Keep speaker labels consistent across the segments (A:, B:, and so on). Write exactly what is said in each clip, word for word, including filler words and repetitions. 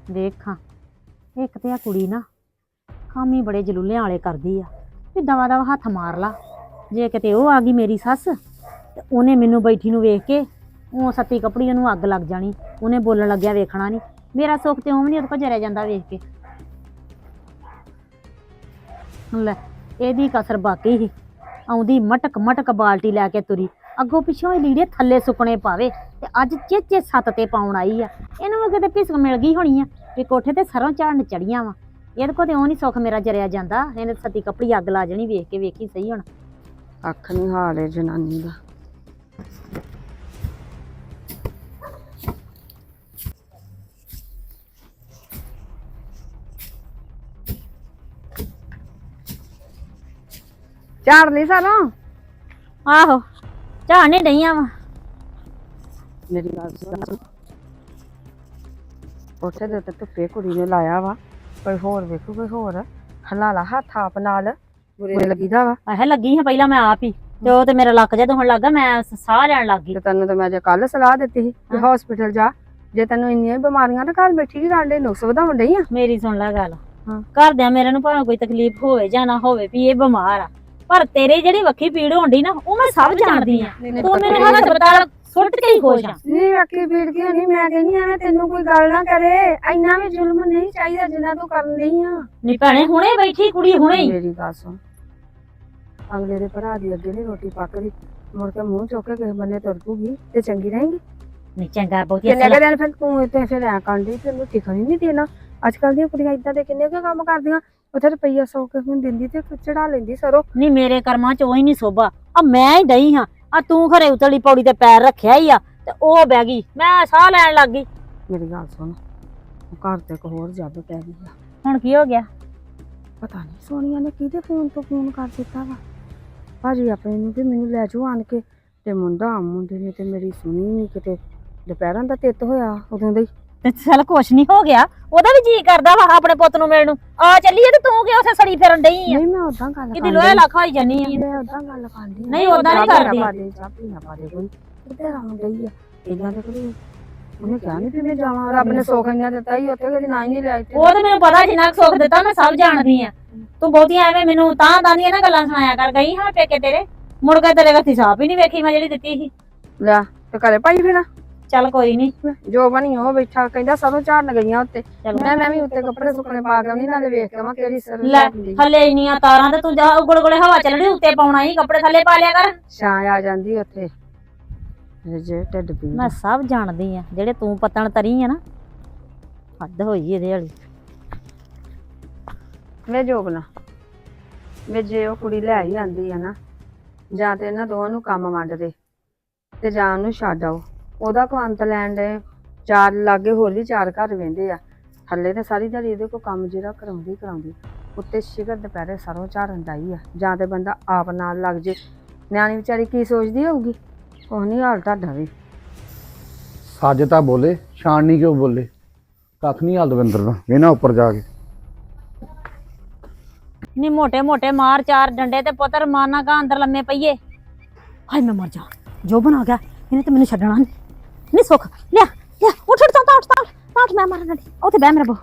A: ਦੇਖਾਂ ਇੱਕ ਤੇ ਆ ਕੁੜੀ ਨਾ ਕੰਮ ਹੀ ਬੜੇ ਜਲੂਲਿਆਂ ਵਾਲੇ ਕਰਦੀ ਆ ਵੀ ਦਵਾ ਦਵਾ ਹੱਥ ਮਾਰ ਲਾ। ਜੇ ਕਿਤੇ ਉਹ ਆ ਗਈ ਮੇਰੀ ਸੱਸ ਤੇ ਉਹਨੇ ਮੈਨੂੰ ਬੈਠੀ ਨੂੰ ਵੇਖ ਕੇ ਉਹ ਸੱਤੀ ਕਪੜੀ ਉਹਨੂੰ ਅੱਗ ਲੱਗ ਜਾਣੀ। ਉਹਨੇ ਬੋਲਣ ਲੱਗਿਆ ਵੇਖਣਾ ਨਹੀਂ। ਮੇਰਾ ਸੁੱਖ ਤੇ ਉਹ ਵੀ ਨਹੀਂ ਉਹਦੇ ਕੋਲ ਜਰਿਆ ਜਾਂਦਾ ਵੇਖ ਕੇ। ਲੈ ਇਹਦੀ ਕਸਰ ਬਾਕੀ ਹੀ ਆਉਂਦੀ ਮਟਕ ਮਟਕ ਬਾਲਟੀ ਲੈ ਕੇ ਤੁਰੀ ਅੱਗੋਂ ਪਿੱਛੋਂ ਇਹ ਲੀੜੇ ਥੱਲੇ ਸੁੱਕਣੇ ਪਾਵੇ ਤੇ ਅੱਜ ਚੇਚੇ ਸੱਤ ਤੇ ਪਾਉਣ ਆਈ ਆ। ਇਹਨੂੰ ਵੀ ਕਿਤੇ ਪਿਸਕ ਮਿਲ ਗਈ ਹੋਣੀ ਆ ਵੀ ਕੋਠੇ ਤੇ ਸਰੋਂ ਝਾੜਨ ਚੜੀਆਂ ਵਾ। ਇਹਦੇ ਕੋਲ ਤੇ ਉਹ ਨਹੀਂ ਸੁੱਖ ਮੇਰਾ ਜਰਿਆ ਜਾਂਦਾ। ਇਹਨੇ ਸੱਤੀ ਕਪੜੀ ਅੱਗ ਲਾ ਜਾਣੀ ਵੇਖ ਕੇ। ਵੇਖੀ ਸਹੀ ਹੁਣ
B: ਅੱਖ ਨਹੀਂ ਹਾਲ ਹੈ ਜਨਾਨੀ ਦਾ। ਝਾੜ ਲਈ ਸਾਰਾ
A: ਆਹੋ ਝਾੜਨੇ ਡਈਆਂ ਵਾ।
B: ਮੇਰੀ ਗੱਲ ਸੁਣ, ਉੱਥੇ ਦੇ ਉੱਤੇ ਧੁੱਪੇ ਕੁੜੀ ਨੇ ਲਾਇਆ ਵਾ। ਕੋਈ ਹੋਰ ਵੇਖੂ ਕੋਈ ਹੋਰ ਹਲਾ ਲਾ ਹੱਥ ਆਪ ਨਾਲ ਬੁਰੇ ਲੱਗੀਦਾ ਵਾ।
A: ਆਹ ਲੱਗੀ ਹਾਂ ਪਹਿਲਾਂ ਮੈਂ ਆਪ ਹੀ ਤੇ ਉਹ ਤੇ ਮੇਰਾ ਲੱਕ ਜਦੋਂ ਹੁਣ ਲੱਗਾ ਮੈਂ ਸਾਹ ਲੈਣ ਲੱਗ ਗਈ।
B: ਤੇ ਤੈਨੂੰ ਤਾਂ ਮੈਂ ਜੇ ਕੱਲ ਸਲਾਹ ਦਿੱਤੀ ਸੀ ਕਿ ਹਸਪੀਟਲ ਜਾ। ਜੇ ਤੈਨੂੰ ਇੰਨੀਆਂ ਬਿਮਾਰੀਆਂ ਤਾਂ ਘਰ ਬੈਠੀ ਕੀ ਕਰਨ ਡਈ ਨੁਕਸ ਵਧਾਉਣ ਡਈ ਆ।
A: ਮੇਰੀ ਸੁਣ ਲੈ ਗੱਲ।
B: ਹਾਂ।
A: ਘਰਦਿਆਂ ਮੇਰੇ ਨੂੰ ਭਾਵੇਂ ਕੋਈ ਤਕਲੀਫ ਹੋਵੇ ਜਾਂ ਨਾ ਹੋਵੇ ਵੀ ਇਹ ਬਿਮਾਰ ਆ ਪਰ ਤੇਰੇ ਜਿਹੜੀ ਵੱਖੀ ਪੀੜ ਹੋਣੀ ਨਾ ਉਹ ਮੈਂ ਸਭ ਜਾਣਦੀ ਆ। ਤੂੰ ਮੇਰੇ ਹਸਪਤਾਲ ਸੁੱਟ ਕੇ ਹੀ ਖੁਸ਼ ਆ।
B: ਨਹੀਂ ਅੱਖੀ ਪੀੜ ਕਿਉਂ ਨਹੀਂ? ਮੈਂ ਕਹਿੰਦੀ ਐਵੇਂ ਤੈਨੂੰ ਕੋਈ ਗੱਲ ਨਾ ਕਰੇ। ਇੰਨਾ ਵੀ ਜ਼ੁਲਮ ਨਹੀਂ ਚਾਹੀਦਾ ਜਿੰਨਾ ਤੂੰ ਕਰਨ ਡਈ ਆ।
A: ਨਹੀਂ ਭੈਣੇ ਹੁਣੇ ਬੈਠੀ ਕੁੜੀ ਹੁਣੇ ਹੀ।
B: ਮੇਰੀ ਗੱਲ ਸੁਣ, ਅਗਲੇ ਦੇ ਭਰਾ ਦੀ ਅੱਗੇ ਨਹੀਂ ਰੋਟੀ ਪੱਕਦੀ ਮੁੜ ਕੇ ਮੂੰਹ ਚੁੱਕ ਕੇ ਕਿਸੇ ਬੰਨੇ ਤੁਰ ਪੂਗੀ ਤੇ ਚੰਗੀ ਰਹੇਗੀ।
A: ਨਹੀਂ ਚੰਗਾ ਬਹੁਤੀ
B: ਕਿੰਨੇ ਕੁ ਦਿਨ ਫਿਰ ਤੂੰ ਇੱਥੇ ਫਿਰ ਐ ਕਰਦੀ ਤੈਨੂੰ ਟਿਕਣ ਹੀ ਨਹੀਂ ਦੇਣਾ। ਅੱਜ ਕੱਲ ਦੀਆਂ ਕੁੜੀਆਂ ਇਦਾਂ ਦੇ ਕਿੰਨੇ ਕੁ ਕੰਮ ਕਰਦੀਆਂ। ਉੱਥੇ ਰੁਪਈਆ ਸੌ ਕੇ ਹੁਣ ਦਿੰਦੀ ਤੇ ਚੜਾ ਲੈਂਦੀ ਸਰੋਂ।
A: ਨਹੀਂ ਮੇਰੇ ਕਰਮਾਂ ਚ ਉਹ ਹੀ ਨਹੀਂ ਸੋਭਾ। ਆ ਮੈਂ ਹੀ ਡਈ ਹਾਂ ਆ ਤੂੰ ਖਰੇ ਉਤਲੀ ਪੌੜੀ ਤੇ ਪੈਰ ਰੱਖਿਆ ਹੀ ਆ ਤੇ ਉਹ ਬਹਿ ਗਈ ਮੈਂ ਸਾਹ ਲੈਣ ਲੱਗ ਗਈ।
B: ਮੇਰੀ ਗੱਲ ਸੁਣ, ਘਰ ਤੇ ਇੱਕ ਹੋਰ ਜੱਬ ਪੈ ਗਈ ਆ।
A: ਹੁਣ ਕੀ ਹੋ ਗਿਆ?
B: ਪਤਾ ਨਹੀਂ ਸੋਨੀਆ ਨੇ ਕਿਹਦੇ ਫੋਨ ਤੋਂ ਫੋਨ ਕਰ ਦਿੱਤਾ ਵਾ ਭਾਜੀ ਆਪਣੇ ਨੂੰ ਕਿ ਮੈਨੂੰ ਲੈ ਜਾਓ ਆਣ ਕੇ। ਤੇ ਮੁੰਡਾ ਮੁੰਡੇ ਨੇ ਤੇ ਮੇਰੀ ਸੁਣੀ ਨਹੀਂ ਕਿਤੇ। ਦੁਪਹਿਰਾਂ ਦਾ ਤਿੱਤ ਹੋਇਆ ਉਦੋਂ ਦਾ ਹੀ।
A: ਤੇ ਚੱਲ ਕੁਛ ਨਹੀਂ ਹੋ ਗਿਆ। ਉਹਦਾ ਵੀ ਜੀ ਕਰਦਾ ਵਾ ਆਪਣੇ ਪੁੱਤ ਨੂੰ ਮਿਲਣ ਨੂੰ। ਆ ਚੱਲੀਏ ਤੇ ਤੂੰ ਕਿ ਉੱਥੇ ਸੜੀ ਫਿਰਨ ਡਈ ਆ?
B: ਨਹੀਂ ਮੈਂ ਉਦਾਂ ਗੱਲ
A: ਕਿਤੇ ਲੋਹੇ ਲੱਖ ਹੋਈ ਜਾਨੀ ਆ।
B: ਮੈਂ ਉਦਾਂ ਗੱਲ ਕਰਦੀ
A: ਨਹੀਂ ਉਦਾਂ ਨਹੀਂ ਕਰਦੀ।
B: ਚਾਪੀ ਨਾ ਪਾ ਦੇ ਕੋਈ ਕਿੱਥੇ ਰੰਗ ਗਈ ਆ ਇਹਨਾਂ ਦੇ ਕੋਲ। ਉਹਨੇ ਕਿਹਾ ਨਹੀਂ ਵੀ ਮੈਂ ਜਾਵਾਂ। ਰੱਬ ਨੇ ਸੁੱਖ ਇੰਨਾ ਦਿੱਤਾ ਹੀ ਉੱਥੇ ਕਦੀ ਨਾ ਹੀ ਨਹੀਂ ਲਿਆ।
A: ਉਹ ਤੇ ਮੈਨੂੰ ਪਤਾ ਜਿੰਨਾ ਕੁ ਸੁੱਖ ਦਿੱਤਾ ਮੈਂ ਸਭ ਜਾਣਦੀ ਆ। ਤੂੰ ਬਹੁਤੀਆਂ ਐਵੇਂ ਮੈਨੂੰ ਤਾਂ ਤਾਂ ਦੀਆਂ ਨਾ ਗੱਲਾਂ ਸੁਣਾਇਆ ਕਰ। ਗਈ ਹਾਂ ਪੇਕੇ ਤੇਰੇ ਮੁੜ ਕੇ ਤੇਰੇ ਹੱਥੀ ਸਾਹ ਹੀ ਨਹੀਂ ਵੇਖੀ ਮੈਂ ਜਿਹੜੀ ਦਿੱਤੀ ਸੀ।
B: ਲੈ ਤੇ ਘਰੇ ਭਾਈ ਫਿਰ
A: ਚੱਲ ਕੋਈ ਨਹੀਂ
B: ਜੋ ਬਣੀ ਉਹ ਬੈਠਾ ਕਹਿੰਦਾ ਸਰੋਂ ਝਾੜਨ ਗਈਆਂ ਉੱਤੇ। ਮੈਂ ਮੈਂ ਵੀ ਉੱਤੇ ਕੱਪੜੇ ਸੁੱਕਣੇ ਪਾ ਕੇ ਆਉਣੀ ਨਾਲੇ ਵੇਖ ਕੇ ਮੈਂ ਕਿਹੜੀ ਸਰ
A: ਲੈ ਥੱਲੇ ਇੰਨੀਆਂ ਤਾਰਾਂ ਤੇ ਤੂੰ ਜਾ ਉਗੜ ਗੋਲੇ ਹਵਾ ਚੱਲਣੀ ਉੱਤੇ ਪਾਉਣਾ ਹੀ ਕੱਪੜੇ ਥੱਲੇ ਪਾ ਲਿਆ ਕਰ।
B: ਛਾਂ ਆ ਜਾਂਦੀ ਉੱਥੇ ਜੇ ਢਿੱਡ ਪੀੜ।
A: ਮੈਂ ਸਭ ਜਾਣਦੀ ਆ ਜਿਹੜੇ ਤੂੰ ਪਤਣ ਤਰੀ ਆ ਨਾ ਹੱਦ ਹੋਈ ਇਹਦੇ ਵਾਲੀ।
B: ਵੇ ਜੋਬਨਾ ਵੇ ਜੇ ਉਹ ਕੁੜੀ ਲੈ ਹੀ ਆਂਦੀ ਆ ਨਾ ਜਾਂ ਤੇ ਇਹਨਾਂ ਦੋਵਾਂ ਨੂੰ ਕੰਮ ਵੰਡ ਦੇ ਤੇ ਜਾਂ ਉਹਨੂੰ ਛੱਡ ਆਓ। ਉਹਦਾ ਕੋ ਅੰਤ ਲੈਣ ਦੇ ਚਾਰ ਲਾਗੇ ਹੋਰ ਵੀ ਚਾਰ ਘਰ ਵਹਿੰਦੇ ਆ। ਥੱਲੇ ਤੇ ਸਾਰੀ ਦਿਹਾੜੀ ਇਹਦੇ ਕੋ ਕੰਮ ਜਿਹੜਾ ਕਰਾਉਂਦੀ ਕਰਾਉਂਦੀ ਉੱਤੇ ਸ਼ਿਕਰ ਦੁਪਹਿਰੇ ਸਰੋਂ ਝਾੜਨ ਡਾਈ ਆ। ਜਾਂ ਤੇ ਬੰਦਾ ਆਪ ਨਾਲ ਲੱਗ ਜੇ। ਨਿਆਣੀ ਵਿਚਾਰੀ ਕੀ ਸੋਚਦੀ ਹੋਊਗੀ? ਕੁਛ ਨਹੀਂ ਹਾਲ ਤੁਹਾਡਾ ਵੀ।
C: ਸੱਜ ਤਾਂ ਬੋਲੇ ਛਾਣਨੀ ਕਿਉਂ ਬੋਲੇ? ਕੱਖ ਨਹੀਂ ਹਾਲ ਦਵਿੰਦਰ ਦਾ ਵੇਨਾ ਉੱਪਰ ਜਾ ਕੇ।
A: ਨੀ ਮੋਟੇ ਮੋਟੇ ਮਾਰ ਚਾਰ ਡੰਡੇ ਤੇ ਪੁੱਤਰ ਮਾਰਨਾ ਕਾ ਅੰਦਰ ਲੰਮੇ ਪਈਏ। ਹਾਏ ਮੈਂ ਮਰ ਜਾ। ਜੋ ਬਣਾ ਗਿਆ ਇਹਨੇ ਤੇ ਮੈਨੂੰ ਛੱਡਣਾ ਨਹੀਂ। ਨੀ ਸੁੱਖ ਲਿਆ ਲਿਆ ਉੱਠ ਉੱਠ ਤਾਂ ਉੱਠ ਤਾਂ ਉੱਠ ਮੈਂ ਮਰਨ ਲੱਗੀ। ਉੱਥੇ ਬਹਿ ਮੇਰਾ ਬੋ।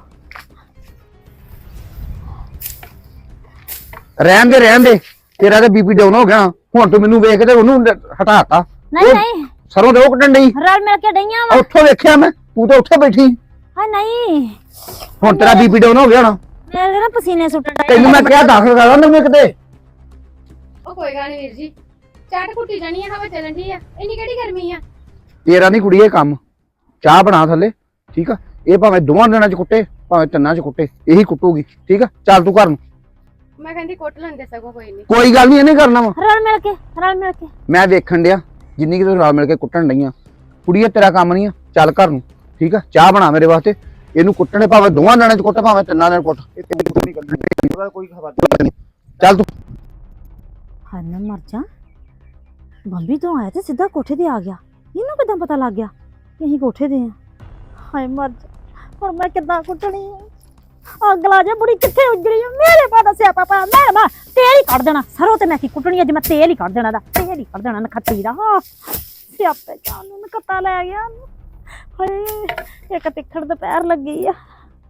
C: ਰਹਿਣ ਦੇ ਰਹਿਣ ਦੇ ਤੇਰਾ ਤੇ ਬੀਪੀ ਡਾਊਨ ਹੋ ਗਿਆ। ਹੁਣ ਤੂੰ ਮੈਨੂੰ ਵੇਖ ਕੇ ਉਹਨੂੰ ਹਟਾਤਾ।
A: ਨਹੀਂ ਨਹੀਂ
C: ਸਰੋਂ ਦੇ ਉਹ ਕੱਢਣ ਡਈ।
A: ਰਲ ਮਿਲ ਕੇ ਡਈਆਂ ਵਾ।
C: ਉੱਥੋਂ ਵੇਖਿਆ ਮੈਂ ਤੂੰ ਤਾਂ ਉੱਥੇ ਬੈਠੀ।
A: ਹਾਏ ਨਹੀਂ
C: ਹੁਣ ਤੇਰਾ ਬੀਪੀ ਡਾਊਨ ਹੋ ਗਿਆ ਨਾ।
A: ਮੇਰੇ ਨਾ ਪਸੀਨੇ ਸੁੱਟਣ ਡਏ।
C: ਤੈਨੂੰ ਮੈਂ ਕਿਹਾ ਦਾਖਲ ਕਰਾ ਲਾ ਮੈਨੂੰ ਕਿਤੇ।
D: ਉਹ ਕੋਈ ਗੱਲ ਨਹੀਂ ਵੀਰ ਜੀ ਚਾਟ ਕੁੱਟੀ ਜਾਣੀ ਆ ਹਵਾ ਚੱਲਣ ਦੀ ਆ। ਇੰਨੀ ਕਿਹੜੀ ਗਰਮੀ ਆ?
C: ਤੇਰਾ ਨਹੀਂ ਕੁੜੀਏ ਕੰਮ। ਚਾਹ ਬਣਾ ਥੱਲੇ ਠੀਕ ਆ। ਇਹ ਭਾਵੇਂ ਦੋਵਾਂ ਦਿਨਾਂ ਚ ਕੁੱਟੇ ਭਾਵੇਂ ਤਿੰਨਾਂ ਚ ਕੁੱਟੇ ਇਹੀ ਕੁੱਟੂਗੀ ਠੀਕ ਆ। ਚੱਲ ਤੂੰ ਘਰ ਨੂੰ।
D: ਮੈਂ ਕਹਿੰਦੀ ਕੁੱਟ ਲੈਂਦੇ ਸਗੋਂ ਕੋਈ ਨਹੀਂ।
C: ਕੋਈ ਗੱਲ ਨਹੀਂ ਇਹਨੇ ਕਰਨਾ ਵਾ।
A: ਰਲ ਮਿਲ ਕੇ ਰਲ ਮਿਲ ਕੇ
C: ਮੈਂ ਵੇਖਣ ਡਿਆ ਜਿੰਨੀ ਕਿ ਤੂੰ ਰਲ ਮਿਲ ਕੇ ਕੁੱਟਣ ਡਈਆਂ। ਕੁੜੀਏ ਤੇਰਾ ਕੰਮ ਨਹੀਂ ਆ। ਚੱਲ ਘਰ ਨੂੰ ਠੀਕ ਆ। ਚਾਹ ਬਣਾ ਮੇਰੇ ਵਾਸਤੇ। ਇਹਨੂੰ ਕੁੱਟਣੇ ਭਾਵੇਂ ਦੋਵਾਂ ਦਿਨਾਂ ਚ ਕੁੱਟ ਭਾਵੇਂ ਤਿੰਨਾਂ ਦਿਨਾਂ ਚ ਕੁੱਟ। ਕੋਈ ਖਬਰ ਨਹੀਂ। ਚੱਲ ਤੂੰ।
A: ਹਾਏ ਮੈਂ ਮਰ ਜਾ। ਬੰਬੀ ਤੋਂ ਆਇਆ ਤੇ ਸਿੱਧਾ ਕੋਠੇ ਤੇ ਆ ਗਿਆ। ਇਹਨੂੰ ਕਿੱਦਾਂ ਪਤਾ ਲੱਗ ਗਿਆ ਕਿ ਅਸੀਂ ਕੋਠੇ ਤੇ ਆ? ਹਾਏ ਮਰ ਜਾ। ਹੁਣ ਮੈਂ ਕਿੱਦਾਂ ਕੁੱਟਣੀ ਆ? ਅੱਗ ਲਾ ਜਾ ਬੁੜੀ ਕਿੱਥੇ ਉੱਜੜੀ ਆ? ਮੇਰੇ ਪਾ ਦੱਸਿਆ ਪਾਪਾ ਮੈਂ ਮੈਂ ਤੇਲ ਹੀ ਕੱਢ ਦੇਣਾ। ਸਰੋਂ ਤੇ ਮੈਂ ਕੀ ਕੁੱਟਣੀ ਅੱਜ ਮੈਂ ਤੇਲ ਹੀ ਕੱਢ ਦੇਣਾ ਦਾ ਤੇਲ ਹੀ ਕੱਢ ਦੇਣਾ ਨਖੱਤੀ ਦਾ। ਹਾਂ ਸਿਆਪੇ ਜਾਨ ਨੂੰ ਨਖੱਤਾ ਲੈ ਗਿਆ। ਹਾਏ ਇੱਕ ਤਿੱਖੜ ਦੁਪਹਿਰ ਲੱਗੀ ਆ।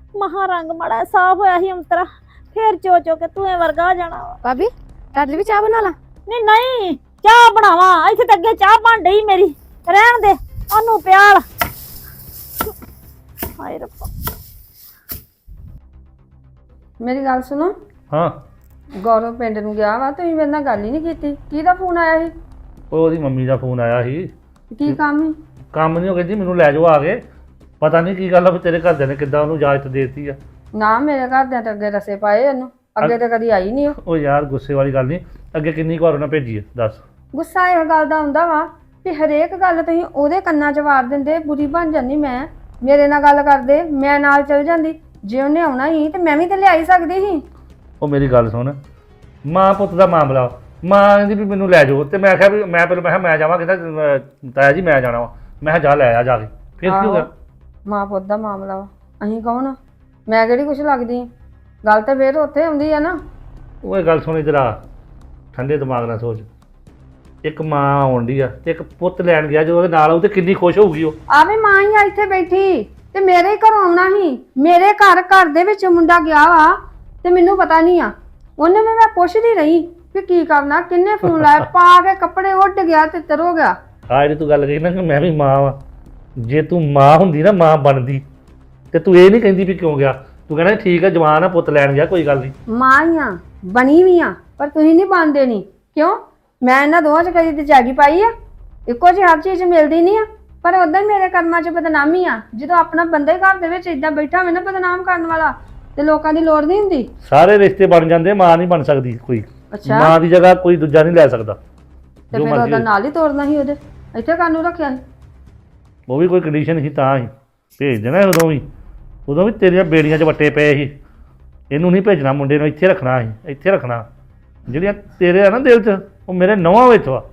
A: ਮਹਾ ਰੰਗ ਮਾੜਾ ਸਾਫ ਹੋਇਆ ਸੀ ਅੰਤਰਾ, ਫੇਰ ਚੋ ਚੋ ਕੇ ਤੂੰ ਵਰਗਾ ਹੋ ਜਾਣਾ ਵਾ।
D: ਭਾਬੀ ਤੁਹਾਡੇ ਲਈ ਵੀ ਚਾਹ ਬਣਾ ਲਾ।
A: ਨਹੀਂ ਨਹੀਂ ਚਾਹ ਬਣਾਵਾਂ, ਇੱਥੇ ਤਾਂ ਅੱਗੇ ਚਾਹ ਬਣ ਡਈ ਮੇਰੀ, ਰਹਿਣ ਦੇ ਉਹਨੂੰ ਪਿਆਲ। ਹਾਏ ਰੱਬਾ।
B: ਮੇਰੀ ਗੱਲ ਸੁਣੋ,
E: ਹਾਂ
B: ਗੌਰਵ ਪਿੰਡ ਨੂੰ ਗਿਆ ਵਾ, ਤੁਸੀਂ ਮੇਰੇ ਨਾਲ ਗੱਲ ਹੀ ਨਹੀਂ ਕੀਤੀ। ਕਿਹਦਾ ਫੋਨ ਆਇਆ ਸੀ?
E: ਉਹ ਉਹਦੀ ਮੰਮੀ ਦਾ ਫੋਨ ਆਇਆ ਸੀ।
B: ਕੀ ਕੰਮ ਸੀ?
E: ਕੰਮ ਨਹੀਂ, ਉਹ ਕਹਿੰਦੀ ਮੈਨੂੰ ਲੈ ਜਾਓ ਆ ਕੇ। ਪਤਾ ਨਹੀਂ ਕੀ ਗੱਲ ਆ ਵੀ ਤੇਰੇ ਘਰਦਿਆਂ ਨੇ ਕਿੱਦਾਂ ਉਹਨੂੰ ਇਜਾਜ਼ਤ ਦੇ ਦਿੱਤੀ ਆ।
B: ਨਾ ਮੇਰੇ ਘਰਦਿਆਂ ਤਾਂ ਅੱਗੇ ਰਸੇ ਪਾਏ ਉਹਨੂੰ, ਅੱਗੇ ਤਾਂ ਕਦੀ ਆਈ ਨਹੀਂ ਉਹ।
E: ਉਹ ਯਾਰ ਗੁੱਸੇ ਵਾਲੀ ਗੱਲ ਨਹੀਂ, ਅੱਗੇ ਕਿੰਨੀ ਕੁ ਵਾਰ ਉਹਨਾਂ ਭੇਜੀ ਆ ਦੱਸ।
B: ਗੁੱਸਾ ਇਹ ਗੱਲ ਦਾ ਹੁੰਦਾ ਵਾ ਕਿ ਹਰੇਕ ਗੱਲ ਤੁਸੀਂ ਉਹਦੇ ਕੰਨਾਂ 'ਚ ਵਾਰ ਦਿੰਦੇ, ਬੁਰੀ ਬਣ ਜਾਂਦੀ ਮੈਂ। ਮੇਰੇ ਨਾਲ ਗੱਲ ਕਰਦੇ, ਮੈਂ ਨਾਲ ਚਲ ਜਾਂਦੀ। ਜੇ ਉਹਨੇ ਆਉਣਾ ਸੀ ਤੇ ਮੈਂ ਵੀ ਤਾਂ ਲਿਆਈ ਸਕਦੀ ਸੀ।
E: ਉਹ ਮੇਰੀ ਗੱਲ ਸੁਣ, ਮਾਂ ਪੁੱਤ ਦਾ ਮਾਮਲਾ, ਮਾਂ ਕਹਿੰਦੀ ਵੀ ਮੈਨੂੰ ਲੈ ਜਾਓ, ਤੇ ਮੈਂ ਕਿਹਾ ਵੀ ਮੈਂ ਪਹਿਲਾਂ ਮੈਂ ਕਿਹਾ ਮੈਂ ਜਾਵਾਂ, ਕਹਿੰਦਾ ਤਾਇਆ ਜੀ ਮੈਂ ਜਾਣਾ ਵਾ। ਮੈਂ ਕਿਹਾ ਜਾ ਲੈ ਆ ਜਾ ਕੇ, ਫਿਰ ਕੀ ਹੋ ਗਿਆ?
B: ਮਾਂ ਪੁੱਤ ਦਾ ਮਾਮਲਾ ਵਾ, ਅਸੀਂ ਕੌਣ ਆ? ਮੈਂ ਕਿਹੜੀ ਕੁਛ ਲੱਗਦੀ ਆ? ਗੱਲ ਤਾਂ ਫੇਰ ਉੱਥੇ ਆਉਂਦੀ ਆ ਨਾ।
E: ਉਹ ਇਹ ਗੱਲ ਸੁਣੀ ਜਰਾ, ਠੰਡੇ ਦਿਮਾਗ ਨਾਲ ਸੋਚ। ਇੱਕ ਮਾਂ ਆਉਂਦੀ ਆ ਤੇ ਇੱਕ ਪੁੱਤ ਲੈਣ ਗਿਆ, ਜਦੋਂ ਉਹਦੇ ਨਾਲ ਆਉ ਤੇ ਕਿੰਨੀ ਖੁਸ਼ ਹੋਊਗੀ ਉਹ।
B: ਆ ਵੀ ਮਾਂ ਹੀ ਆ ਇੱਥੇ ਬੈਠੀ ਤੇ ਮੇਰੇ ਹੀ ਘਰੋਂ ਆਉਣਾ ਸੀ। ਮੇਰੇ ਘਰ ਘਰ ਦੇ ਵਿੱਚ ਮੁੰਡਾ ਗਿਆ ਵਾ ਤੇ ਮੈਨੂੰ ਪਤਾ ਨਹੀਂ ਆ। ਉਹਨੇ ਵੀ ਮੈਂ ਪੁੱਛਦੀ ਰਹੀ ਵੀ ਕੀ ਕਰਨਾ, ਕਿੰਨੇ ਫੋਨ ਲਾਇਆ, ਪਾ ਕੇ ਕੱਪੜੇ ਉੱਡ ਗਿਆ ਤੇ ਤਰ ਹੋ ਗਿਆ।
E: ਆ ਜਿਹੜੀ ਤੂੰ ਗੱਲ ਕਹੀ ਨਾ ਕਿ ਮੈਂ ਵੀ ਮਾਂ ਵਾਂ, ਜੇ ਤੂੰ ਮਾਂ ਹੁੰਦੀ ਨਾ, ਮਾਂ ਬਣਦੀ, ਤੇ ਤੂੰ ਇਹ ਨਹੀਂ ਕਹਿੰਦੀ ਵੀ ਕਿਉਂ ਗਿਆ। ਤੂੰ ਕਹਿੰਦਾ ਠੀਕ ਆ, ਜਵਾਨ ਆ, ਪੁੱਤ ਲੈਣ ਗਿਆ, ਕੋਈ ਗੱਲ ਨਹੀਂ।
B: ਮਾਂ ਹੀ ਆ, ਬਣੀ ਵੀ ਆ, ਪਰ ਤੁਸੀਂ ਨਹੀਂ ਬਣਦੇ। ਨਹੀਂ ਕਿਉਂ? ਮੈਂ ਇਹਨਾਂ ਦੋਵਾਂ 'ਚ ਕਦੀ ਤੇ ਜਾਗੀ ਪਾਈ ਆ? ਇੱਕੋ ਜਿਹੀ ਹਰ ਚੀਜ਼ ਮਿਲਦੀ ਨਹੀਂ ਆ, ਪਰ ਉਦਾਂ ਹੀ ਮੇਰੇ ਕਰਮਾਂ 'ਚ ਬਦਨਾਮੀ ਆ। ਜਦੋਂ ਆਪਣਾ ਬੰਦਾ ਹੀ ਘਰ ਦੇ ਵਿੱਚ ਇਦਾਂ ਬੈਠਾ ਹੋਵੇ ਨਾ ਬਦਨਾਮ ਕਰਨ ਵਾਲਾ, ਤੇ ਲੋਕਾਂ ਦੀ ਲੋੜ ਨਹੀਂ ਹੁੰਦੀ।
E: ਸਾਰੇ ਰਿਸ਼ਤੇ ਬਣ ਜਾਂਦੇ, ਮਾਂ ਨਹੀਂ ਬਣ ਸਕਦੀ ਕੋਈ।
B: ਅੱਛਾ,
E: ਮਾਂ ਦੀ ਜਗ੍ਹਾ ਕੋਈ ਦੂਜਾ ਨਹੀਂ ਲੈ ਸਕਦਾ।
B: ਤੇ ਫਿਰ ਉਹਦਾ ਨਾਲ ਹੀ ਤੋਰਨਾ ਸੀ ਉਹਦੇ, ਇੱਥੇ ਕਾਨੂੰ ਰੱਖਿਆ ਸੀ?
E: ਉਹ ਵੀ ਕੋਈ ਕੰਡੀਸ਼ਨ ਸੀ ਤਾਂ ਹੀ ਭੇਜ ਦੇਣਾ। ਉਦੋਂ ਵੀ ਉਦੋਂ ਵੀ ਤੇਰੀਆਂ ਬੇੜੀਆਂ 'ਚ ਵੱਟੇ ਪਏ ਸੀ। ਇਹਨੂੰ ਨਹੀਂ ਭੇਜਣਾ, ਮੁੰਡੇ ਨੂੰ ਇੱਥੇ ਰੱਖਣਾ ਸੀ, ਇੱਥੇ ਰੱਖਣਾ। ਜਿਹੜੀਆਂ ਤੇਰੇ ਆ ਨਾ ਦਿਲ 'ਚ, ਉਹ ਮੇਰੇ ਨੌਵਾਂ ਵਿੱਚ ਵਾ।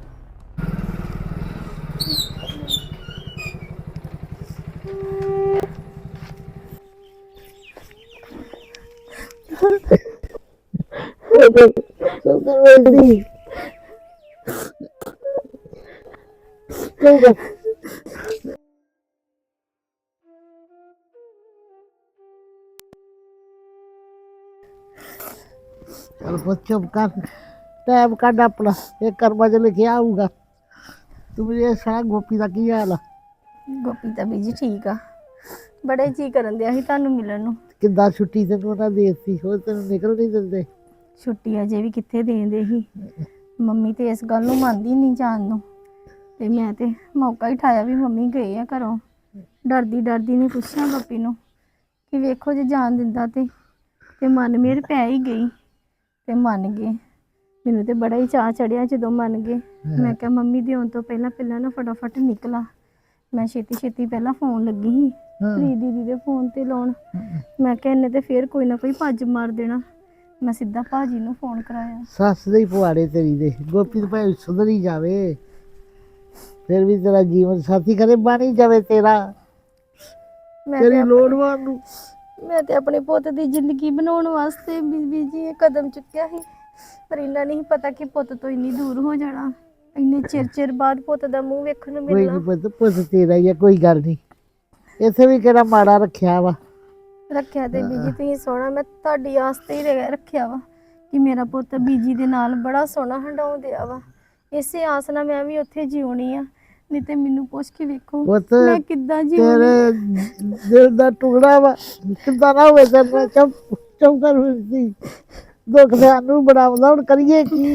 F: चल बस चुप कर, टाइम कट अपना, एक कर्मा च लिखिया आऊगा। तू मुझे सह गोपी का की हाल आ?
A: ਗੋਪੀ ਤਾਂ ਬੀਜੀ ਠੀਕ ਆ, ਬੜੇ ਜੀ ਕਰਨ ਦਿਆ ਸੀ ਤੁਹਾਨੂੰ ਮਿਲਣ ਨੂੰ।
F: किदा छुट्टी से तू ना देती हो, तेन निकल नहीं दिंदे।
A: ਛੁੱਟੀ ਅਜੇ ਵੀ ਕਿੱਥੇ ਦੇਂਦੇ ਸੀ। ਮੰਮੀ ਤੇ ਇਸ ਗੱਲ ਨੂੰ ਮੰਨਦੀ ਨਹੀਂ ਜਾਣ ਨੂੰ, ਤੇ ਮੈਂ ਤੇ ਮੌਕਾ ਹੀ ਠਾਇਆ ਵੀ ਮੰਮੀ ਗਏ ਆ ਘਰੋਂ। ਡਰਦੀ ਡਰਦੀ ਨੇ ਪੁੱਛਿਆ ਗੋਪੀ ਨੂੰ ਕਿ ਵੇਖੋ ਜੇ ਜਾਣ ਦਿੰਦਾ ਤੇ ਤੇ ਮਨ ਮੇਰ ਪੈ ਹੀ ਗਈ ਤੇ ਮੰਨ ਗਏ। ਮੈਨੂੰ ਤੇ ਬੜਾ ਹੀ ਚਾਅ ਚੜਿਆ ਜਦੋਂ ਮੰਨ ਗਏ। ਮੈਂ ਕਿਹਾ ਮੰਮੀ ਦੇ ਆਉਣ ਤੋਂ ਪਹਿਲਾਂ ਪਹਿਲਾਂ ਨਾ ਫਟਾਫਟ ਨਿਕਲਾ। ਮੈਂ ਛੇਤੀ ਛੇਤੀ ਪਹਿਲਾਂ ਫੋਨ ਲੱਗੀ ਸੀ ਪ੍ਰੀਤ ਦੀਦੀ ਦੇ ਫੋਨ ਤੇ ਲਾਉਣ। ਮੈਂ ਕਿਹਾ ਇਹਨੇ ਤੇ ਫੇਰ ਕੋਈ ਨਾ ਕੋਈ ਭੱਜ ਮਾਰ ਦੇਣਾ। ਮੈਂ ਸਿੱਧਾ ਭਾਜੀ ਨੂੰ ਫੋਨ ਕਰਾਇਆ।
F: सस दे पुआड़े तेरी दे, गोपी तो भाई सुधर ही जावे, फिर भी तेरा जीवन साथी करे बन ही जावे तेरा।
A: ਮੈਂ
F: तेरी
A: ਤੇ
F: लोड़ वानू
A: ਮੈਂ ਤੇ ਆਪਣੇ ਪੁੱਤ ਦੀ ਜ਼ਿੰਦਗੀ ਬਣਾਉਣ ਵਾਸਤੇ ਬੀਬੀ ਜੀ ਇਹ ਕਦਮ ਚੁੱਕਿਆ ਸੀ, ਪਰ ਇਹਨਾਂ ਨਹੀਂ ਪਤਾ ਕਿ ਪੁੱਤ ਤੋਂ ਇੰਨੀ ਦੂਰ ਹੋ ਜਾਣਾ। ਇੰਨੇ ਚਿਰ ਚਿਰ ਬਾਅਦ ਪੁੱਤ ਦਾ ਮੂੰਹ ਵੇਖਣ ਨੂੰ
F: कोई
A: ਮਿਲਣਾ।
F: नहीं पुत, पुत तेरा ही है, कोई गल नहीं। इत्थे भी केड़ा माड़ा रखिया वा।
A: ਰੱਖਿਆ ਤੇ ਬੀਜੀ ਤੁਸੀਂ ਸੋਹਣਾ, ਮੈਂ ਤੁਹਾਡੀ ਆਸ ਤੇ ਹੀ ਰਹਿ- ਰੱਖਿਆ ਵਾ ਕਿ ਮੇਰਾ ਪੁੱਤ ਬੀਜੀ ਦੇ ਨਾਲ ਬੜਾ ਸੋਹਣਾ ਹੰਡਾਉਂ ਦਿਆ ਵਾ। ਇਸੇ ਆਸ ਨਾਲ ਮੈਂ ਵੀ ਉੱਥੇ ਜਿਉਣੀ ਆ। ਨਹੀਂ ਤੇ ਮੈਨੂੰ ਪੁੱਛ ਕੇ ਵੇਖੋ
F: ਪੁੱਤ
A: ਮੈਂ ਕਿੱਦਾਂ ਜਿਉਣੀ।
F: तेरे दिल दा टुकड़ा वा, किदा ना होवे तेरे नाल चुप चुप कर फिरदी। दुख सानू बनाउंदा, हुण करिए की?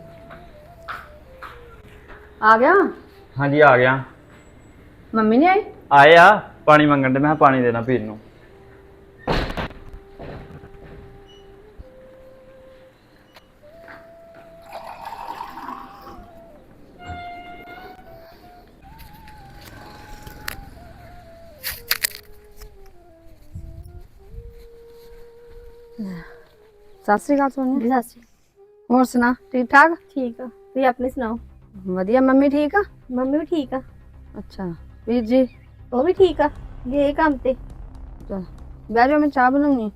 B: ਆ ਗਿਆ?
G: ਹਾਂਜੀ ਆ ਗਿਆ।
B: ਮੰਮੀ ਨਹੀਂ ਆਈ?
G: ਆਏ ਆ, ਪਾਣੀ ਮੰਗਣ ਦੇ, ਮੈਂ ਕਿਹਾ ਪਾਣੀ ਦੇਣਾ ਪੀਣ ਨੂੰ।
B: ਸਤਿ ਸ੍ਰੀ ਅਕਾਲ ਸੋਨੀਆ।
A: ਸਤਿ ਸ਼੍ਰੀ
B: ਹੋਰ ਸੁਣਾ, ਠੀਕ ਠਾਕ?
A: ਠੀਕ ਆ, ਤੁਸੀਂ ਆਪਣੀ ਸੁਣਾਓ?
B: ਵਧੀਆ। ਮੰਮੀ ਠੀਕ ਆ?
A: ਮੰਮੀ ਵੀ ਠੀਕ ਆ,
B: ਅੱਛਾ। ਵੀਰ ਜੀ?
A: ਉਹ ਵੀ ਠੀਕ ਆ, ਗਏ ਕੰਮ ਤੇ।
B: ਚਲ ਬਹਿ ਜਾਓ, ਮੈਂ ਚਾਹ ਬਣਾਉਣੀ।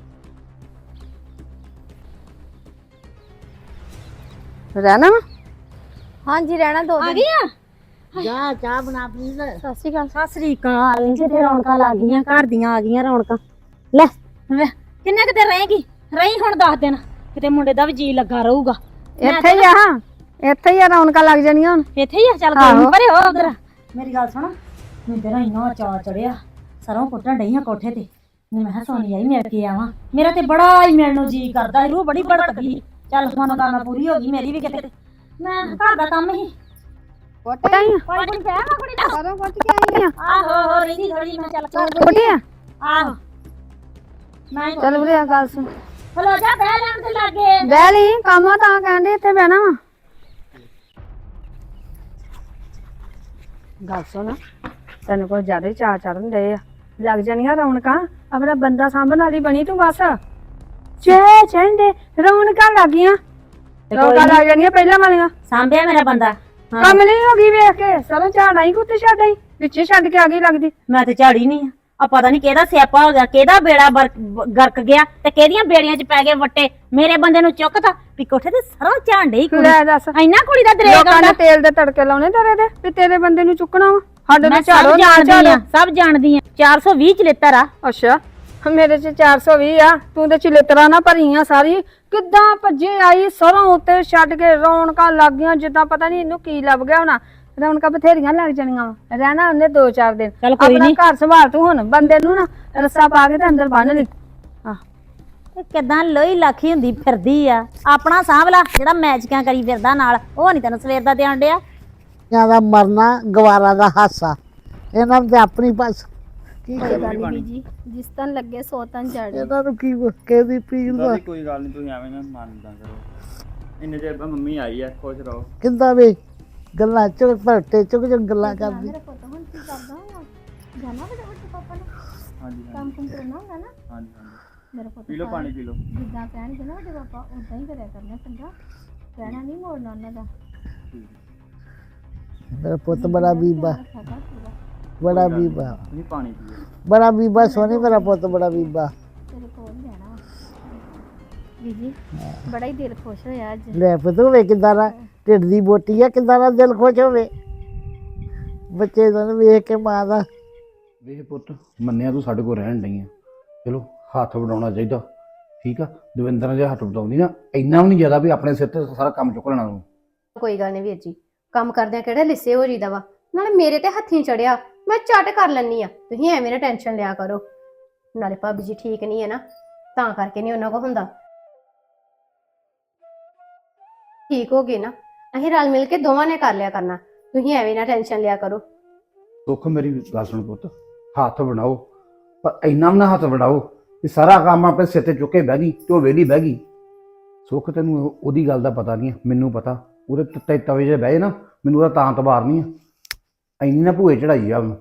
B: ਰਹਿਣਾ ਵਾ?
A: ਹਾਂਜੀ ਰਹਿਣਾ ਦੋ ਦਿਨ।
F: जा चाह बना प्लीज।
A: ਸਤਿ ਸ਼੍ਰੀ ਅਕਾਲ। ਸਤਿ ਸ਼੍ਰੀ ਅਕਾਲ। ਕਿਤੇ ਰੌਣਕਾਂ ਲੱਗ ਗਈਆਂ, ਘਰ ਦੀਆਂ ਆ ਗਈਆਂ ਰੌਣਕਾਂ। ਲੈ ਵੇ, ਕਿੰਨੇ ਕਿਤੇ ਰਹੇਗੀ ਰਹੀ ਹੁਣ ਦੱਸ ਦਿਨ ਕਿਤੇ ਮੁੰਡੇ ਦਾ ਵੀ ਜੀ ਲੱਗਾ ਰਹੂਗਾ ਮੈਂ
B: ਇੱਥੇ ਹੀ ਆ ਇੱਥੇ ਹੀ ਆ ਰੌਣਕਾਂ ਲੱਗ ਜਾਣੀਆਂ ਹੁਣ
A: ਇੱਥੇ ਹੀ ਆ ਚੱਲ ਕੋਈ ਨੀ, ਪਰੇ ਹੋ ਉਧਰ ਮੇਰੀ ਗੱਲ ਸੁਣ ਮੈਨੂੰ ਤੇਰਾ ਇੰਨਾ ਚਾਅ ਚੜਿਆ ਸਰੋਂ ਕੁੱਟਣ ਡਈਆਂ ਕੋਠੇ ਤੇ ਮੈਂ ਕਿਹਾ ਸੋਨੀ ਆਈ ਮਿਲ ਕੇ ਆਵਾਂ ਮੇਰਾ ਤੇ ਬੜਾ ਹੀ ਮਿਲਣ ਨੂੰ ਜੀ ਕਰਦਾ ਸੀ, ਰੂਹ ਬੜੀ ਭੜਕਦੀ ਚੱਲ ਹੁਣ ਕੰਮ ਪੂਰੀ ਹੋ ਗਈ ਮੇਰੀ ਵੀ ਕਿਤੇ ਮੈਂ ਘਰ ਦਾ ਕੰਮ ਹੀ
B: ਕੋਟਾ ਹੀ
A: ਕੋਈ ਕੋਈ ਕਹਿ ਨਾ ਕੁੜੀ ਦਾ
B: ਕਦੋਂ ਪੁੱਛ ਕੇ ਆਈ ਆ
A: ਆਹੋ ਹੋ ਰਹੀ ਥੋੜੀ ਮੈਂ ਚੱਲ ਕਰ
B: ਕੋਟੀ ਆ
A: ਆਹੋ ਮੈਂ
B: ਚੱਲ ਵੀਰੇ ਆ ਗੱਲ ਸੁਣ
A: ਹਲੋ ਜਾ ਬਹਿ ਲੈਣ ਤੇ ਲੱਗੇ
B: ਬਹਿ ਲਈ ਕੰਮ ਆ ਤਾਂ ਕਹਿੰਦੇ ਇੱਥੇ ਬਹਿਣਾ ਵਾ ਗੱਲ ਸੁਣ ਤੈਨੂੰ ਕੋਈ ਜ਼ਿਆਦਾ ਹੀ ਚਾਅ ਚੜਨ ਦੇ ਆ ਲੱਗ ਜਾਣੀਆਂ ਰੌਣਕਾਂ ਆਪਣਾ ਬੰਦਾ ਸਾਂਭਣ ਵਾਲੀ ਬਣੀ ਤੂੰ ਬਸ ਚੇ ਚੰਡੇ ਰੌਣਕਾਂ ਲੱਗ ਗਈਆਂ ਰੌਣਕਾਂ ਲੱਗ ਜਾਣੀਆਂ ਪਹਿਲਾਂ ਵਾਲੀਆਂ
A: ਸਾਂਭਿਆ ਮੇਰਾ ਬੰਦਾ
B: ਕੰਮ ਨਹੀਂ ਹੋ ਗਈ ਵੇਖ ਕੇ ਸਰੋਂ ਝਾੜਾ ਹੀ ਕੁੱਤੇ ਛੱਡ ਆਈ ਪਿੱਛੇ ਛੱਡ ਕੇ ਆ ਗਈ ਲੱਗਦੀ
A: ਮੈਂ ਤੇ ਝਾੜੀ ਨਹੀਂ ਆ ਆ ਪਤਾ ਨਹੀਂ ਕਿਹਦਾ ਸਿਆਪਾ ਹੋ ਗਿਆ ਕਿਹਦਾ ਬੇੜਾ ਬਰਕ- ਬ- ਗਰਕ ਗਿਆ ਤੇ ਕਿਹਦੀਆਂ ਬੇੜੀਆਂ 'ਚ ਪੈ ਗਏ ਵੱਟੇ ਮੇਰੇ ਬੰਦੇ ਨੂੰ ਚੁੱਕਤਾ ਵੀ ਕੋਠੇ ਤੇ ਸਰੋਂ ਝਾਂਡੇ ਹੀ ਕੁੜੀ
B: ਲੈ ਦੱਸ
A: ਇੰਨਾ ਕੁੜੀ ਦਾ ਦਰੇਕ
B: ਲੋਕਾਂ
A: ਆਉਂਦਾ
B: ਨੇ ਤੇਲ ਦੇ ਤੜਕੇ ਲਾਉਣੇ ਤੇਰੇ ਦੇ ਵੀ ਤੇਰੇ ਬੰਦੇ ਨੂੰ ਚੁੱਕਣਾ ਵਾ ਸਾਡੇ
A: ਮੈਂ
B: ਨੂੰ
A: ਸਭ
B: ਝਾੜੋ ਨਾ
A: ਜਾਣਦੀ
B: ਝਾੜੋ
A: ਆ ਸਭ ਜਾਣਦੀ ਆ ਚਾਰ ਸੌ ਵੀਹ ਚਲਿੱਤਰ ਆ
B: ਅੱਛਾ ਮੇਰੇ ਚ ਚਾਰ ਸੌ ਵੀਹ ਆ ਤੂੰ ਤੇ ਚਿਲਤਰਾ ਨਾ ਭਰੀ ਆ ਸਾਰੀ ਕਿੱਦਾਂ ਭੱਜੇ ਆਈ ਸਰੋਂ ਉੱਤੇ ਛੱਡ ਕੇ ਰੌਣਕਾਂ ਲੱਗ ਗਈਆਂ ਜਿੱਦਾਂ ਪਤਾ ਨਹੀਂ ਇਹਨੂੰ ਕੀ ਲੱਭ ਗਿਆ ਹੋਣਾ ਰੌਣਕਾਂ ਬਥੇਰੀਆਂ ਲੱਗ ਜਾਣੀਆਂ ਵਾ ਰਹਿਣਾ ਉਹਨੇ ਦੋ ਚਾਰ ਦਿਨ
A: ਚੱਲ ਕੋਈ
B: ਆਪਣਾ
A: ਨੀ।
B: ਘਰ ਸੰਭਾਲ ਤੂੰ ਹੁਣ ਬੰਦੇ ਨੂੰ ਨਾ ਰੱਸਾ ਪਾ ਕੇ ਤੇ ਅੰਦਰ ਬੰਨ ਲਈ ਆਹ
A: ਇਹ ਕਿਦਾਂ ਲੋਈ ਲੱਖੀ ਹੁੰਦੀ ਫਿਰਦੀ ਆ ਆਪਣਾ ਸਾਂਭਲਾ ਜਿਹੜਾ ਮੈਚਕਾਂ ਕਰੀ ਫਿਰਦਾ ਨਾਲ ਉਹ ਨਹੀਂ ਤੈਨੂੰ ਸਵੇਰ ਦਾ ਧਿਆਨ ਡਿਆ
F: ਇਹਨਾਂ ਦਾ ਮਰਨਾ ਗਵਾਰਾ ਦਾ ਹਾਸਾ ਇਹਨਾਂ ਦੇ ਆਪਣੀ ਬਸ ਕੀ
D: ਕੋਈ ਗੱਲ ਨਹੀਂ ਬੀਜੀ ਜਿਸ ਤਨ ਲੱਗੇ ਸੋ ਤਨ ਜੜ
F: ਇਹਨਾਂ ਨੂੰ ਕੀ ਕਿਹਦੀ ਪੀੜ ਦਾ
G: ਦਾਦੀ ਕੋਈ ਗੱਲ ਨਹੀਂ ਤੁਸੀਂ ਐਵੇਂ ਨਾ ਮੰਨਦਾ ਕਰੋ ਇੰਨੇ ਚਿਰ ਬਾਅਦ ਮੰਮੀ ਆਈ ਆ ਖੁਸ਼ ਰਹੋ
F: ਕਿੰਦਾ ਵੀ ਗੱਲਾਂ ਚੁੱਕ ਭਰਤੇ ਚੁੱਕ ਚੁੱਕ ਗੱਲਾਂ ਕਰਦੀ
D: ਮੇਰਾ ਪੁੱਤ ਹੁਣ ਕੀ ਕਰਦਾ ਵਾ ਜਾਣਾ ਵਾ ਵੱਡੇ ਪਾਪਾ ਨੇ
G: ਹਾਂਜੀ ਹਾਂਜੀ
D: ਕੰਮ ਕੁਮ ਕਰਨਾ ਹੁੰਦਾ ਨਾ
G: ਹਾਂਜੀ ਹਾਂਜੀ
D: ਮੇਰਾ ਪੁੱਤ
G: ਪੀ ਲਓ ਪਾਣੀ ਪੀ ਲਓ
D: ਜਿੱਦਾਂ ਕਹਿਣਗੇ ਨਾ ਵੱਡੇ ਪਾਪਾ ਉਦਾਂ ਹੀ ਕਰਿਆ ਕਰਨਾ ਚੰਗਾ ਕਹਿਣਾ ਨਹੀਂ ਮੋੜਨਾ ਉਹਨਾਂ ਦਾ
F: ਮੇਰਾ ਪੁੱਤ ਬੜਾ ਬੀਬਾ
D: ਰੱਖਿਆ ਕਰ ਪੂਰਾ
F: ਬੜਾ ਬੀਬਾ
G: ਤੁਸੀਂ ਪਾਣੀ ਪੀਓ
F: ਬੜਾ ਬੀਬਾ ਸੋਨੀ ਮੇਰਾ ਪੁੱਤ ਬੜਾ ਬੀਬਾ
D: ਤੇਰੇ ਕੋਲ ਹੀ ਰਹਿਣਾ ਵਾ ਬੀਜੀ ਬੜਾ ਹੀ ਦਿਲ ਖੁਸ਼ ਹੋਇਆ ਅੱਜ
F: ਲੈ ਪੁੱਤ ਵੇ ਕਿੱਦਾਂ ਦਾ ਢਿੱਡ ਦੀ ਬੋਟੀ ਆ ਕਿੱਦਾਂ ਦਾ ਦਿਲ ਖੁਸ਼ ਹੋਵੇ ਬੱਚੇ ਦਾ ਵੇਖ ਕੇ ਮਾਂ ਦਾ
C: ਵੇਖ ਪੁੱਤ ਮੰਨਿਆ ਤੂੰ ਸਾਡੇ ਕੋਲ ਰਹਿਣ ਡਈ ਆ ਚਲੋ ਹੱਥ ਵਡਾਉਣਾ ਚਾਹੀਦਾ ਠੀਕ ਆ ਦਵਿੰਦਰ ਨੇ ਜੇ ਹੱਥ ਵਡਾਉਂਦੀ ਨਾ ਇੰਨਾ ਵੀ ਨਹੀਂ ਜ਼ਿਆਦਾ ਵੀ ਆਪਣੇ ਸਿਰ ਤੇ ਸਾਰਾ ਕੰਮ ਚੁੱਕ ਲੈਣਾ ਤੂੰ
H: ਕੋਈ ਗੱਲ ਨਹੀਂ ਵੀਰ ਜੀ ਕੰਮ ਕਰਦਿਆਂ ਕਿਹੜਾ ਲਿੱਸੇ ਹੋ ਜੀਦਾ ਵਾ ਨਾਲੇ ਮੇਰੇ ਤੇ ਹੱਥੀਂ ਚੜਿਆ ਮੈਂ ਝਟ ਕਰ ਲੈਣੀ ਆ ਤੁਸੀਂ ਐਵੇਂ ਨਾ ਟੈਨਸ਼ਨ ਲਿਆ ਕਰੋ ਨਾਲੇ ਭਾਬੀ ਜੀ ਠੀਕ ਨਹੀਂ ਹੈ ਨਾ ਤਾਂ ਕਰਕੇ ਨਹੀਂ ਉਹਨਾਂ ਕੋ ਹੁੰਦਾ ਠੀਕ ਹੋ ਗਏ ਨਾ ਅਸੀਂ ਰਲ ਮਿਲ ਕੇ ਦੋਵਾਂ ਨੇ ਕਰ ਲਿਆ ਕਰਨਾ ਤੁਸੀਂ ਐਵੇਂ ਨਾ ਟੈਨਸ਼ਨ ਲਿਆ ਕਰੋ
C: ਸੁੱਖ ਮੇਰੀ ਗੱਲ ਸੁਣ ਪੁੱਤ ਹੱਥ ਬਣਾਓ ਪਰ ਇੰਨਾ ਵੀ ਨਾ ਹੱਥ ਬਣਾਓ ਕਿ ਸਾਰਾ ਕੰਮ ਆਪਣੇ ਸਿਰ ਤੇ ਚੁੱਕੇ ਬਹਿ ਗਈ ਤੇ ਉਹ ਵਿਹਲੀ ਬਹਿ ਗਈ ਸੁੱਖ ਤੈਨੂੰ ਉਹ- ਉਹਦੀ ਗੱਲ ਦਾ ਪਤਾ ਨਹੀਂ ਮੈਨੂੰ ਪਤਾ ਉਹਦੇ ਤੱਤੇ ਤਵੇ ਜੇ ਬਹਿ ਨਾ ਮੈਨੂੰ ਉਹਦਾ ਤਾਂ ਤਬਾਰ ਨਹੀਂ ਆ ਇੰਨੀ ਨਾ ਭੂਏ ਚੜਾਈ ਆ ਉਹਨੂੰ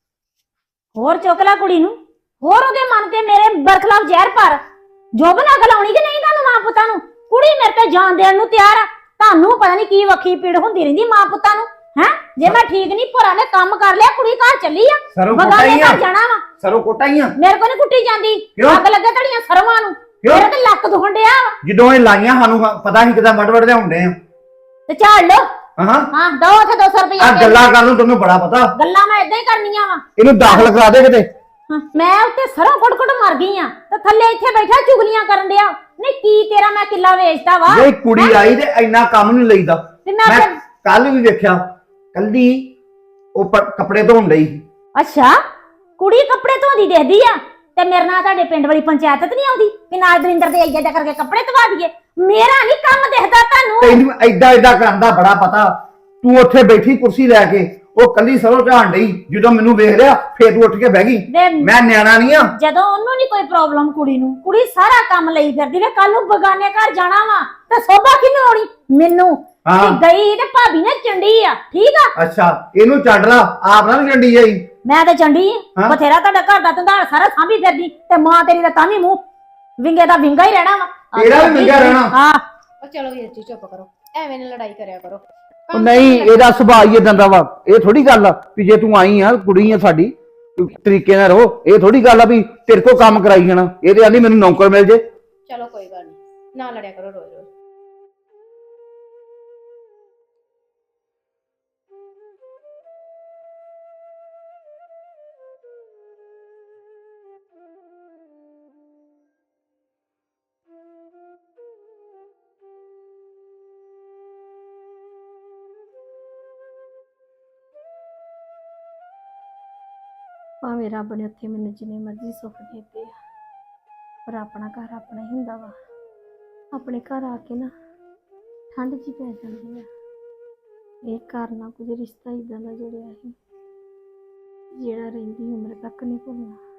A: ਹੋਰ ਚੁੱਕ ਲੈ ਕੁੜੀ ਨੂੰ ਹੋਰ ਉਹਦੇ ਮਨ ਤੇ ਮੇਰੇ ਬਰਖਲਾਫ ਜ਼ਹਿਰ ਭਰ ਜੋਬ ਨਾ ਗਲਾਉਣੀ ਕਿ ਨਹੀਂ ਤੁਹਾਨੂੰ ਮਾਂ ਪੁੱਤਾਂ ਨੂੰ ਕੁੜੀ ਮੇਰੇ ਤੇ ਜਾਨ ਦੇਣ ਨੂੰ ਤਿਆਰ ਆ ਤੁਹਾਨੂੰ ਪਤਾ ਨਹੀਂ ਕੀ ਵੱਖੀ ਪੀੜ ਹੁੰਦੀ ਰਹਿੰਦੀ ਮਾਂ ਪੁੱਤਾਂ ਨੂੰ ਹੈ ਜੇ ਮੈਂ ਠੀਕ ਨਹੀਂ ਭਰਾ ਨੇ ਕੰਮ ਕਰ ਲਿਆ ਕੁੜੀ ਘਰ ਚੱਲੀ ਆ
C: ਸਰੋਂ
A: ਬਗਾਨੇ ਘਰ ਜਾਣਾ ਵਾ
C: ਸਰੋਂ ਕੋਟਾਈਆਂ
A: ਮੇਰੇ ਕੋਲ ਨਹੀਂ ਕੁੱਟੀ ਜਾਂਦੀ
C: ਕਿਉਂ?
A: ਅੱਗ ਲੱਗੇ ਧੜੀਆਂ ਸਰਵਾਂ ਨੂੰ
C: ਕਿਉਂ?
A: ਮੇਰੇ ਤੇ ਲੱਕ ਦੁਖਣ ਡਿਆ ਵਾ
C: ਜਦੋਂ ਇਹ ਲਾਈਆਂ ਸਾਨੂੰ ਪਤਾ ਨਹੀਂ ਕਿਦਾਂ ਵੱਡ ਵੱਡ ਲਿਆਉਂਦੇ ਆ
A: ਤੇ ਝਾੜ ਲੋ
C: ਹਾਂ
A: ਹਾਂ ਦੋ ਉੱਥੇ ਦੋ ਸੌ
C: ਆ
A: ਰੁਪਇਆ
C: ਗੱਲਾਂ ਕਰਨ ਨੂੰ ਤੈਨੂੰ ਬੜਾ ਪਤਾ
A: ਗੱਲਾਂ ਮੈਂ ਇਦਾਂ ਹੀ ਕਰਨੀਆਂ ਵਾ
C: ਇਹਨੂੰ ਦਾਖਲ ਕਰਾ ਦੇ ਕਿਤੇ
A: ਹਾਂ, ਮੈਂ ਉੱਤੇ ਸਰੋਂ ਕੁੱਟ ਕੁੱਟ ਮਰ ਗਈ ਆ ਤੇ ਥੱਲੇ ਇੱਥੇ ਬੈਠਾ ਚੁਗਲੀਆਂ ਕਰਨ ਡਿਆ ਨਹੀਂ ਕੀ ਤੇਰਾ ਮੈਂ ਕਿੱਲਾ ਵੇਚਦਾ ਵਾ
C: ਜੇ ਕੁੜੀ ਆਈ ਤੇ ਇੰਨਾ ਕੰਮ ਨਹੀਂ ਲਈਦਾ
A: ਤੇ ਮੈਂ
C: ਮੈਂ
A: ਫਿਰ-
C: ਕੱਲ ਵੀ ਵੇਖਿਆ ਕੱਲੀ ਉਹ ਪ- ਕੱਪੜੇ ਧੋਣ ਡਈ
A: ਅੱਛਾ ਕੁੜੀ ਕੱਪੜੇ ਧੋਦੀ ਦੇਖਦੀ ਆ ਤੇ ਮੇਰੇ ਨਾਲ ਤੁਹਾਡੇ ਪਿੰਡ ਵਾਲੀ ਪੰਚਾਇਤ ਤੇ ਨਹੀਂ ਆਉਂਦੀ ਕਿ ਨਾਲ ਦਵਿੰਦਰ ਦੇ ਆਈਆ ਜਾ ਕਰਕੇ ਕੱਪੜੇ ਧਵਾ ਦਈਏ ਮੇਰਾ ਨਹੀਂ ਕੰਮ ਦਿਖਦਾ ਤੁਹਾਨੂੰ
C: ਤੈਨੂੰ ਐਡਾ ਐਡਾ ਕਰਨ ਦਾ ਬੜਾ ਪਤਾ ਤੂੰ ਉੱਥੇ ਬੈਠੀ ਕੁਰਸੀ ਲੈ ਕੇ ਉਹ ਕੱਲੀ ਸਰੋਂ ਝਾਣ ਡਈ ਜਦੋਂ ਮੈਨੂੰ ਵੇਖ ਲਿਆ ਫੇਰ ਤੂੰ ਉੱਠ ਕੇ ਬਹਿ ਗਈ
A: ਵੇ
C: ਮੈਂ ਨਿਆਣਾ ਨਹੀਂ ਆ
A: ਜਦੋਂ ਉਹਨੂੰ ਨਹੀਂ ਕੋਈ ਪ੍ਰੋਬਲਮ ਕੁੜੀ ਨੂੰ ਕੁੜੀ ਸਾਰਾ ਕੰਮ ਲਈ ਫਿਰਦੀ ਵੇ ਕੱਲ ਨੂੰ ਬਗਾਨੇ ਘਰ ਜਾਣਾ ਵਾ ਤੇ ਸੋਭਾ ਕਿਹਨੂੰ ਆਉਣੀ ਮੈਨੂੰ
C: ਹਾਂ।
A: ਤੇ ਗਈ ਤੇ ਭਾਬੀ ਨੇ ਚੰਡੀ ਆ ਠੀਕ ਆ
C: ਅੱਛਾ ਇਹਨੂੰ ਛੱਡ ਲਾ ਆਪ ਨਾ ਚੰਡੀ ਜਾਈ
A: ਮੈਂ ਤੇ ਚੰਡੀ ਆ
C: ਹਾਂ।
A: ਬਥੇਰਾ ਤੁਹਾਡਾ ਘਰ ਦਾ ਧੰਦਾਲ ਸਾਰਾ ਸਾਂਭੀ ਫਿਰਦੀ ਤੇ ਮਾਂ ਤੇਰੀ ਦਾ ਤਾਂ ਵੀ ਮੂੰਹ ਵਿੰਗੇ ਦਾ ਵਿੰਗਾ ਹੀ ਰਹਿਣਾ ਵਾ
C: ਤੇਰਾ ਵੀ ਵਿੰਗਾ ਰਹਿਣਾ।
A: ਹਾਂ
H: ਉਹ ਚਲੋ ਵੀਰ ਜੀ ਚੁੱਪ ਕਰੋ ਐਵੇਂ ਨਾ ਲੜਾਈ ਕਰਿਆ ਕਰੋ
C: ਉਹ ਨਹੀਂ ਇਹਦਾ ਸੁਭਾਅ ਹੀ ਇਦਾਂ ਦਾ ਵਾ ਇਹ ਥੋੜੀ ਗੱਲ ਆ ਵੀ ਜੇ ਤੂੰ ਆਈ ਆ ਕੁੜੀ ਆ ਸਾਡੀ ਤਰੀਕੇ ਨਾਲ ਰਹੋ ਇਹ ਥੋੜੀ ਗੱਲ ਆ ਵੀ ਤੇਰੇ ਕੋਲ ਕੰਮ ਕਰਾਈ ਜਾਣਾ ਇਹ ਤੇ ਆਂਦੀ ਮੈਨੂੰ ਨੌਕਰ ਮਿਲ ਜੇ
H: ਚਲੋ ਕੋਈ ਗੱਲ ਨਹੀਂ ਨਾ ਲੜਿਆ ਕਰੋ ਰੋਜ਼ ਰੋਜ਼ ਭਾਵੇਂ ਰੱਬ ਨੇ ਉੱਥੇ ਮੈਨੂੰ ਜਿੰਨੇ ਮਰਜ਼ੀ ਸੁੱਖ ਦਿੱਤੇ ਆ, ਪਰ ਆਪਣਾ ਘਰ ਆਪਣਾ ਹੀ ਹੁੰਦਾ ਵਾ। ਆਪਣੇ ਘਰ ਆ ਕੇ ਨਾ ਠੰਡ ਜੀ ਪੈ ਜਾਂਦੀ ਆ। ਇਹ ਘਰ ਨਾਲ ਕੁਝ ਰਿਸ਼ਤਾ ਇਦਾਂ ਦਾ ਜੁੜਿਆ ਸੀ ਜਿਹੜਾ ਰਹਿੰਦੀ ਉਮਰ ਤੱਕ ਨਹੀਂ ਭੁੱਲਣਾ।